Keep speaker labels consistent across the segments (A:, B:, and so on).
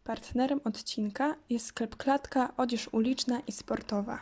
A: Partnerem odcinka jest sklep Klatka, odzież uliczna i sportowa.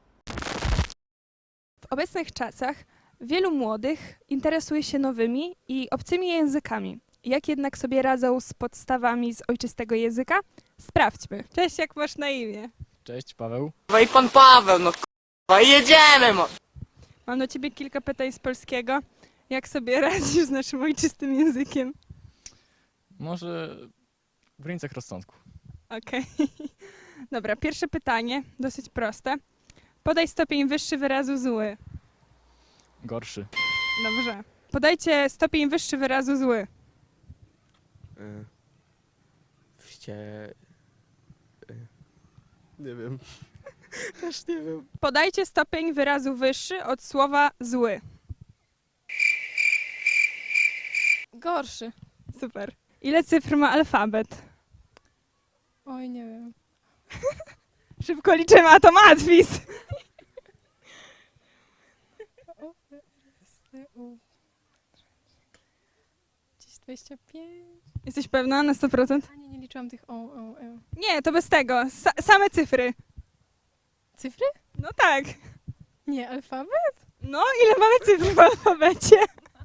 A: W obecnych czasach wielu młodych interesuje się nowymi i obcymi językami. Jak jednak sobie radzą z podstawami z ojczystego języka? Sprawdźmy. Cześć, jak masz na imię?
B: Cześć, Paweł.
C: No i pan Paweł, no k***a, jedziemy, mo!
A: Mam do ciebie kilka pytań z polskiego. Jak sobie radzisz z naszym ojczystym językiem?
B: Może w granicach rozsądku.
A: Okej. Dobra, pierwsze pytanie, dosyć proste. Podaj stopień wyższy wyrazu zły.
B: Gorszy.
A: Dobrze. Podajcie stopień wyższy wyrazu zły.
D: Nie wiem. Też nie wiem.
A: Podajcie stopień wyrazu wyższy od słowa zły.
E: Gorszy.
A: Super. Ile cyfr ma alfabet?
E: Oj, nie wiem.
A: Szybko liczymy, a to matwis.
E: Gdzieś 25.
A: Jesteś pewna na 100%?
E: A nie liczyłam tych e.
A: Nie, to bez tego. Same cyfry.
E: Cyfry?
A: No tak.
E: Nie, alfabet?
A: No, ile mamy cyfr w alfabecie?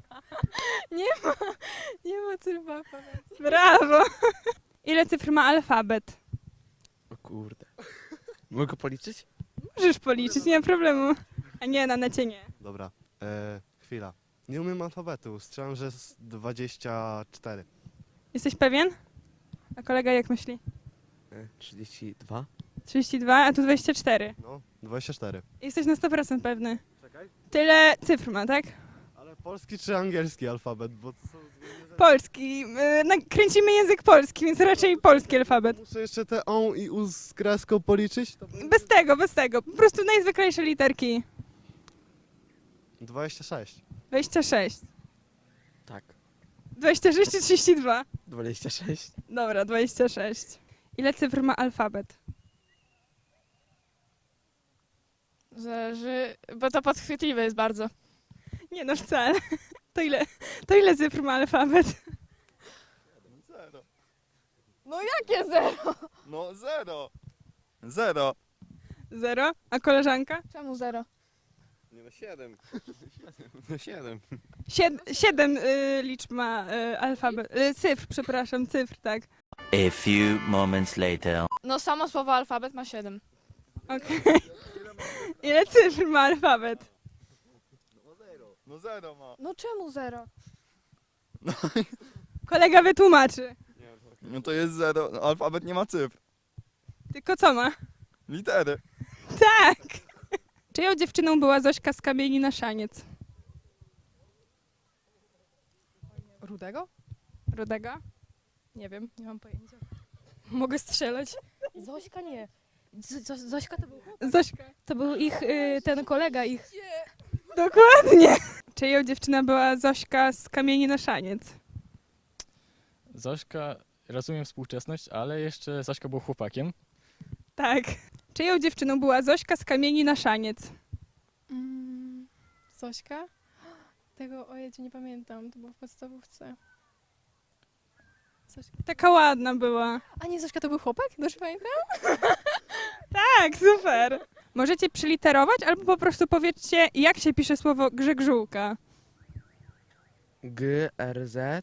E: Nie ma cyfr w alfabecie.
A: Brawo. Ile cyfr ma alfabet?
D: O kurde. Mogę policzyć?
A: Możesz policzyć, nie ma problemu. A nie, na necie nie.
D: Dobra. Chwila. Nie umiem alfabetu. Strzelam, że jest 24.
A: Jesteś pewien? A kolega jak myśli?
D: 32?
A: 32, a tu 24.
D: No, 24.
A: Jesteś na 100% pewny.
D: Czekaj.
A: Tyle cyfr ma, tak?
D: Ale polski czy angielski alfabet? Bo to są...
A: Polski. Kręcimy język polski, więc raczej polski alfabet.
D: Muszę jeszcze te on i u z kreską policzyć? To...
A: Bez tego. Po prostu najzwyklejsze literki.
D: 26.
A: 26.
D: Tak.
A: 26 czy 32?
D: 26.
A: Dobra, 26. Ile cyfr ma alfabet?
E: Zależy, bo to podchwytliwe jest bardzo.
A: Nie no, wcale. To ile cyfr ma alfabet?
D: Zero.
E: No jakie zero?
D: No zero. Zero.
A: 0. A koleżanka?
E: Czemu zero?
D: Nie no 7. No 7.
A: 7 liczb ma alfabet. Cyfr, przepraszam, cyfr, tak.
F: A few moments later.
E: No samo słowo alfabet ma 7.
A: Okej. Ile cyfr ma alfabet?
D: No zero ma.
E: No czemu zero?
A: Kolega wytłumaczy.
G: No to jest zero. No, alfabet nie ma cyfr.
A: Tylko co ma?
G: Litery.
A: Tak! Czyją dziewczyną była Zośka z Kamieni na Szaniec?
E: Rudego?
A: Rudego?
E: Nie wiem, nie mam pojęcia.
A: Mogę strzelać.
E: Zośka nie. Zośka to był
A: Zośka.
E: To był ich, ten kolega ich.
A: Dokładnie. Czyją dziewczyna była Zośka z Kamieni na Szaniec?
B: Zośka, rozumiem współczesność, ale jeszcze Zośka był chłopakiem.
A: Tak. Czyją dziewczyną była Zośka z Kamieni na Szaniec?
E: Zośka? Tego, ojej, nie pamiętam, to było w podstawówce. Zośka.
A: Taka ładna była.
E: A nie, Zośka to był chłopak? Dobrze pamiętam?
A: Tak, super. Możecie przyliterować albo po prostu powiedzcie, jak się pisze słowo grzegrzółka.
H: G, R, Z,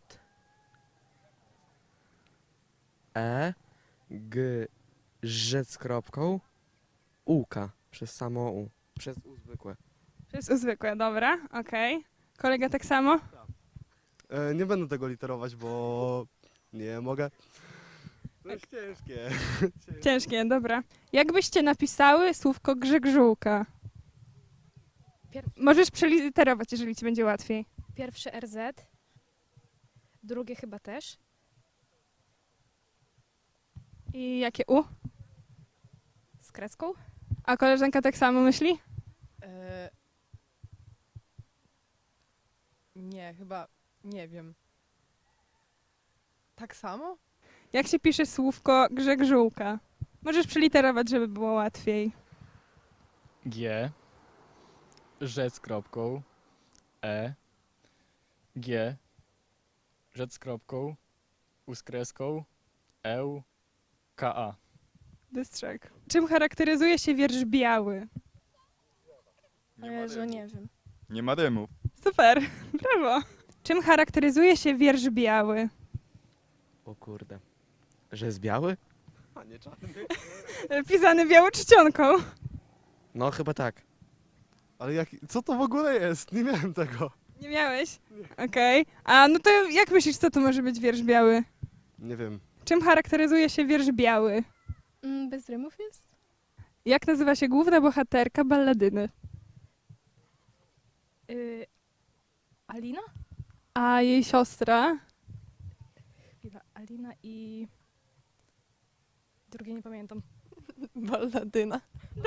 H: E, G, Ż z kropką, Uka, przez samo U, przez U zwykłe.
A: Przez zwykłe, dobra, okej. Kolega tak samo?
D: Nie będę tego literować, bo nie mogę. To jest ciężkie.
A: Ciężkie, dobra. Jak byście napisały słówko grzegrzółka? Możesz przeliterować, jeżeli ci będzie łatwiej.
I: Pierwsze RZ, drugie chyba też.
A: I jakie U?
I: Z kreską?
A: A koleżanka tak samo myśli?
J: Nie, chyba nie wiem. Tak samo?
A: Jak się pisze słówko grzegrzółka? Możesz przeliterować, żeby było łatwiej.
B: G, Ż z kropką, E, G, Ż z kropką, U z kreską, Eł, K.A.
A: Bystrzak. Czym charakteryzuje się wiersz biały?
E: O Jezu, nie wiem.
G: Nie ma rymów.
A: Super, brawo. Czym charakteryzuje się wiersz biały?
H: O kurde. Że jest biały?
D: A nie czarny.
A: Pisany białą czcionką.
H: No chyba tak.
D: Ale co to w ogóle jest? Nie miałem tego.
A: Nie miałeś? Okej. A no to jak myślisz, co to może być wiersz biały?
D: Nie wiem.
A: Czym charakteryzuje się wiersz biały?
E: Bez rymów jest?
A: Jak nazywa się główna bohaterka balladyny?
I: Alina?
A: A jej siostra?
I: Chwila, Alina i... Drugie nie pamiętam.
J: Balladyna.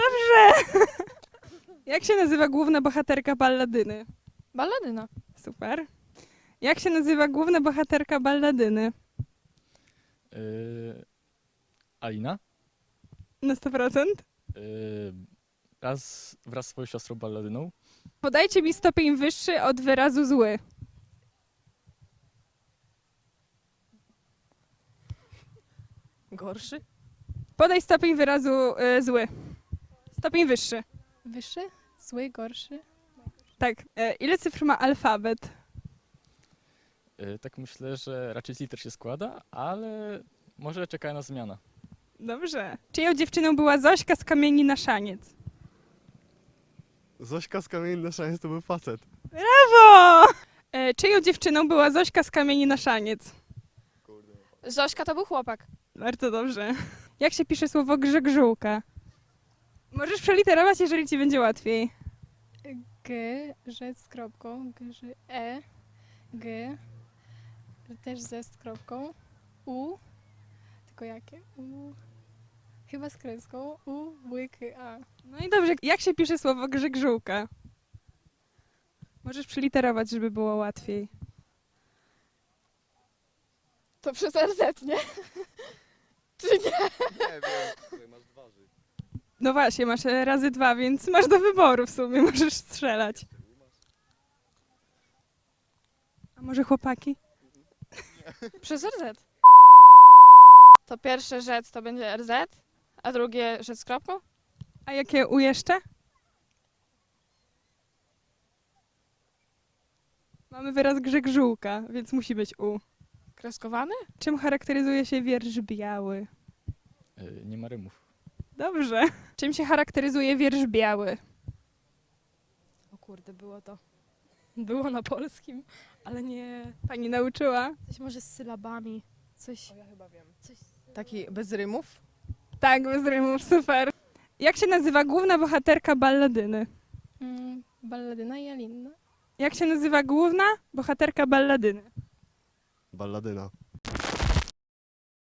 A: Jak się nazywa główna bohaterka balladyny?
E: Balladyna.
A: Super. Jak się nazywa główna bohaterka balladyny?
B: Alina?
A: Na 100%?
B: Wraz z swoją siostrą balladyną.
A: Podajcie mi stopień wyższy od wyrazu zły.
J: Gorszy?
A: Podaj stopień wyrazu zły. Stopień wyższy.
E: Wyższy? Zły, gorszy?
A: Tak. Ile cyfr ma alfabet?
B: Tak myślę, że raczej z liter się składa, ale może czeka na zmiana.
A: Dobrze. Czyją dziewczyną była Zośka z Kamieni na Szaniec?
D: Zośka z kamieni na szaniec to był facet.
A: Brawo! Czyją dziewczyną była Zośka z Kamieni na Szaniec?
E: Zośka to był chłopak.
A: Bardzo dobrze. Jak się pisze słowo grzegżółka? Możesz przeliterować, jeżeli ci będzie łatwiej.
E: G, rzec z kropką, G, Ż, E, G, też ze z kropką, U, tylko jakie? U, chyba z kreską, U, łyk, A.
A: No i dobrze. Jak się pisze słowo grzegżółka? Możesz przeliterować, żeby było łatwiej.
E: To przez RZ, nie? Czy nie?
D: Nie wiem. Masz dwa żyć.
A: No właśnie, masz razy 2, więc masz do wyboru w sumie, możesz strzelać. A może chłopaki?
E: Przez RZ. To pierwsze rzec to będzie RZ, a drugie rzec z kropką?
A: A jakie U jeszcze? Mamy wyraz grzegżółka, więc musi być U.
E: Kreskowany?
A: Czym charakteryzuje się wiersz biały?
B: Nie ma rymów.
A: Dobrze. Czym się charakteryzuje wiersz biały?
I: O kurde, było to. Było na polskim, ale nie...
A: Pani nauczyła?
I: Coś może z sylabami. Coś...
J: Ja chyba wiem.
I: coś...
J: Taki bez rymów?
A: Tak, bez rymów, super. Jak się nazywa główna bohaterka balladyny?
E: Balladyna i Alina.
A: Jak się nazywa główna bohaterka balladyny?
D: Balladyna.